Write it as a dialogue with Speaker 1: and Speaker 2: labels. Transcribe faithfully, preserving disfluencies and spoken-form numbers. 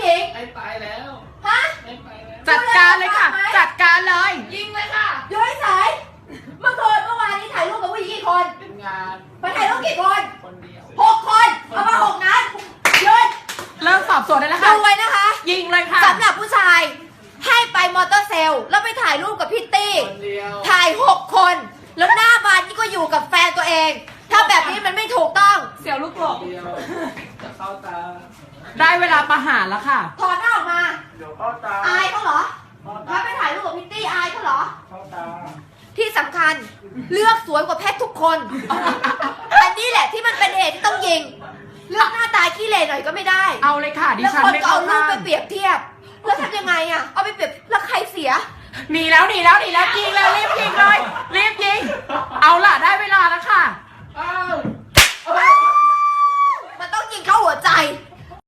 Speaker 1: ญิง
Speaker 2: ไม่ไปแล้ว
Speaker 1: ฮะ
Speaker 2: ไม่ไปแล้ว
Speaker 3: จัดการเลยค่ะ จัดการเลย
Speaker 2: ยิงเลยค่ะ
Speaker 1: อยู่เฉยเมื่อคืนเมื่อวานนี้ถ่ายรูปกับผู้หญิงกี่คน
Speaker 2: เป็นงาน
Speaker 1: ไปถ่ายรูปกี่คน
Speaker 2: คนเดียว
Speaker 1: หกคนเอามาหกนัดหยุด
Speaker 3: เริ่มสอบสวนได้แล้ว
Speaker 1: ดู
Speaker 3: ค่ะ
Speaker 1: ไว้นะคะ
Speaker 3: ยิงเลยค่ะ
Speaker 1: สำหรับผู้ชายให้ไปมอเตอร์เซลล์แล้วไปถ่ายรูปกับพิตตี้
Speaker 2: คนเดียว
Speaker 1: ถ่ายหกคน แล้วหน้าบานนี่ก็อยู่กับแฟนตัวเอง ถ้าแบบนี้มันไม่ถูกต้อง
Speaker 3: เสียวลูกหล
Speaker 2: คน
Speaker 3: ง
Speaker 2: เดียว จะเข้าตา
Speaker 3: ได้เวลาประหารแล้วค่ะ
Speaker 1: ถอดหน้าออกมา
Speaker 2: เดี๋ยวเข้าตา
Speaker 1: อายเขาเหรอ
Speaker 2: เข้า
Speaker 1: ถ้า
Speaker 2: ตา
Speaker 1: ไปถ่ายรูปกับพิตตี้อายเขาเหรอ
Speaker 2: เข้าตา
Speaker 1: ที่สำคัญเลือกสวยกว่าแพทย์ทุกคน อันนี้แหละที่มันเป็นเหตุที่ต้องยิง เลือกหน้าตาขี้เหร่หน่อยก็ไม่ได้
Speaker 3: เอาเลยค่ะดิ
Speaker 1: แล้ว
Speaker 3: ฉัน
Speaker 1: คน
Speaker 3: ไม่
Speaker 1: ก็
Speaker 3: เข้า
Speaker 1: เอารูป
Speaker 3: ข้าง
Speaker 1: ไปเปรียบเทียบ แล้วทำยังไงอ่ะ เอาไปเปรียบแล้วใครเสีย
Speaker 3: หนีแล้วหนีแล้วหนีแล้วยิงแล้วรีบยิงเลยรีบยิง เอาล่ะได้เวลาแล้วค่ะ
Speaker 2: อ้าว
Speaker 1: มันต้องยิงเข้าหัวใจ